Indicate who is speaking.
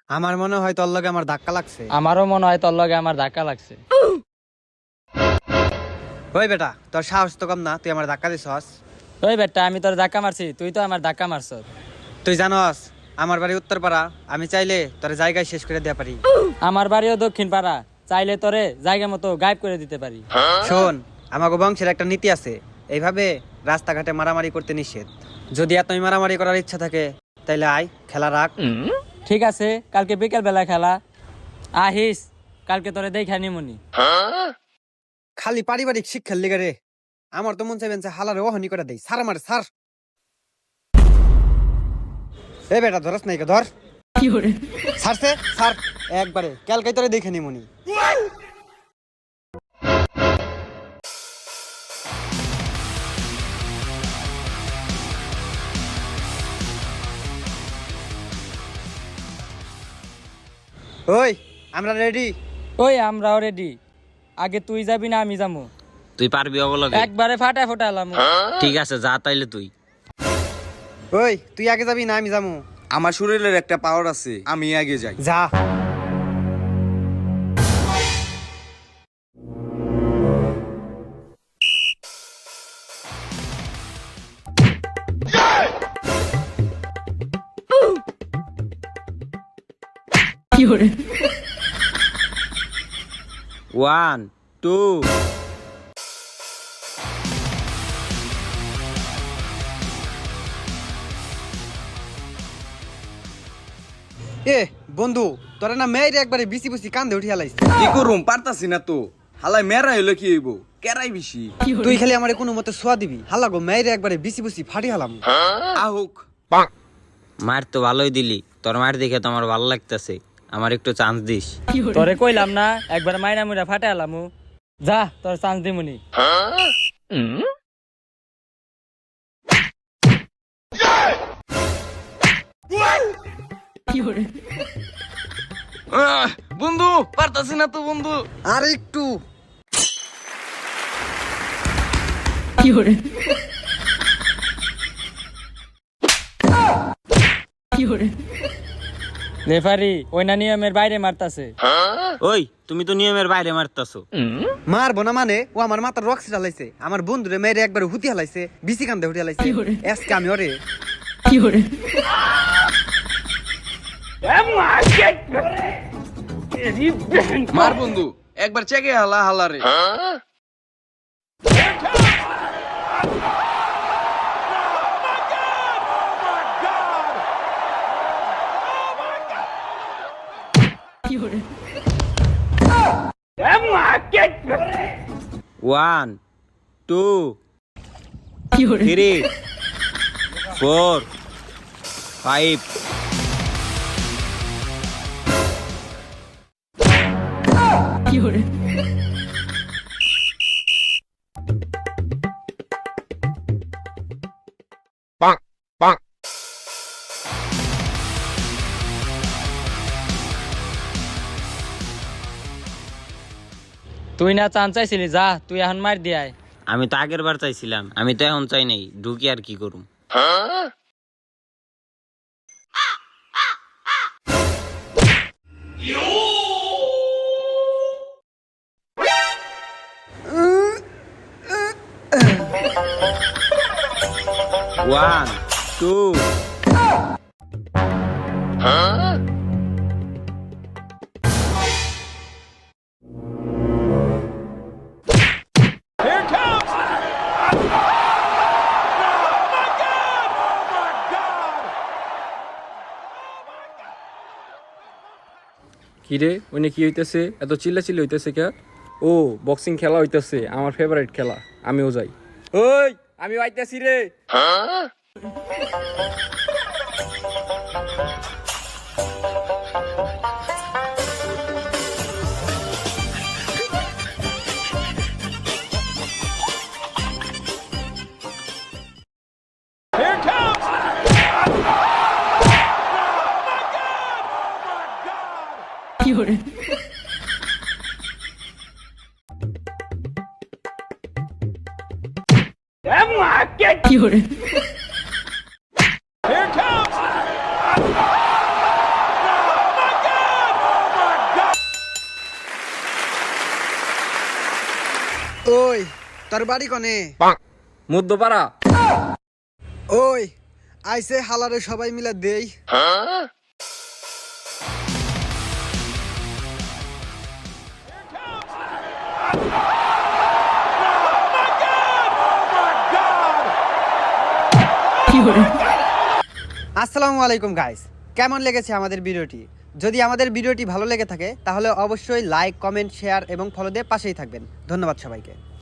Speaker 1: আমার মনে হয় তোর লগে আমার ধাক্কা লাগছে।
Speaker 2: আমারও মনে হয় তোর লগে আমার ধাক্কা লাগছে।
Speaker 1: ওই বেটা, তোর সাহস তো কম না, তুই আমার ধাক্কা দিছস।
Speaker 2: ওই বেটা, আমি তোর ধাক্কা মারছি, তুই তো আমার ধাক্কা মারছ।
Speaker 1: তুই জানস আমার বাড়ি উত্তরপাড়া, আমি চাইলে তোর জায়গায় শেষ করে দেয়া পারি।
Speaker 2: আমার বাড়িও দক্ষিণ পাড়া, চাইলে তোরে জায়গা মতো গায়েব করে দিতে পারি।
Speaker 1: শোন, আমাকে বংশের একটা নীতি আছে, এইভাবে রাস্তাঘাটে মারামারি করতে নিষেধ। যদি এতই মারামারি করার ইচ্ছা থাকে তাইলে আয়, খেলা রাখ।
Speaker 2: ঠিক আছে, কালকে বিকেল বেলা খেলা, আহিস, কালকে তোরে দেখা নিমুনি।
Speaker 1: খালি পারিবারিক শিক্ষার লিগে রে, আমার তো মন চাইবেন হালারে ওহনি করে দেই, সার আমার সার। এ বেটা, ধরস নাই ধর, সারছে সার একবারে, কালকে তোরে দেখে নিমুনি। ওই, আমরা রেডি।
Speaker 2: ওই আমরাও রেডি, আগে তুই যাবি না আমি যাবো?
Speaker 3: তুই পারবি অবলগে?
Speaker 2: একবারে ফাটা ফোটালাম।
Speaker 3: ঠিক আছে, যা তাইলে তুই।
Speaker 1: ওই, তুই আগে যাবি না আমি যাবো?
Speaker 4: আমার শরীরের একটা পাওয়ার আছে, আমি আগে যাই।
Speaker 1: যা।
Speaker 3: One, two.
Speaker 1: এ বন্ধু, তোরা না মেয়ের একবারে বিসি বিসি কান্দে উঠিয়া লাইছে।
Speaker 4: কি করুম, পারতাছি না তো। হালাই মেরা হইলো কি হইব, কেরাই বেশি।
Speaker 1: তুই খালি আমারে কোনো মতে সোয়া দিবি, হালা গো মেয়ের একবারে বিসি বিসি ফাটি হালাম।
Speaker 4: আহুক।
Speaker 3: মার তো ভালোই দিলি, তোর মার দেখে তো আমার ভালো লাগতেছে। আমার একটু চান্স দিস।
Speaker 2: তোরে কইলাম না একবার মাইনা মুইরা ফাটা এলামু, যা তোর চান্স দিমুনি।
Speaker 4: বন্ধু, পারতাছি না তো বন্ধু।
Speaker 1: আর একটু।
Speaker 2: রেফারি ওই না নিয়মের বাইরে মারতাছে।
Speaker 3: ওই, তুমি তো নিয়মের বাইরে মারতাছো।
Speaker 1: মারবো না মানে, ও আমার মাথার রক্স ঢালাইছে, আমার বন্ধুরে মেয়ের একবারে হুতি হালাইছে, বিসি কান্দে উঠে হালাইছে। আজকে আমি ওরে
Speaker 4: মার বন্ধু, একবার চেকে হালা হালারে।
Speaker 3: One, two, three, four, five.
Speaker 2: তুই না চান্স চাইছিলি, যা তুই এখন মার দিয়ায়।
Speaker 3: আমি তো আগের বার চাইছিলাম, আমি তো এখন চাই নাই, ঢুকি আর কি করুম। One, two.
Speaker 5: কিরে, ওইনে কি হইতেছে? এত চিল্লাচিল্লি হইতেছে কে? ও, বক্সিং খেলা হইতেছে, আমার ফেভারিট খেলা, আমিও যাই। ওই, আমি আইতাছি রে।
Speaker 1: ওই তোর বাড়ি কনে?
Speaker 5: মধ্যপাড়া।
Speaker 1: ওই আইসে হালারে সবাই মিলে দেই। আসসালামু আলাইকুম গাইস, কেমন লেগেছে আমাদের ভিডিওটি? যদি আমাদের ভিডিওটি ভালো লেগে থাকে তাহলে অবশ্যই লাইক, কমেন্ট, শেয়ার এবং ফলো দিয়ে পাশেই থাকবেন। ধন্যবাদ সবাইকে।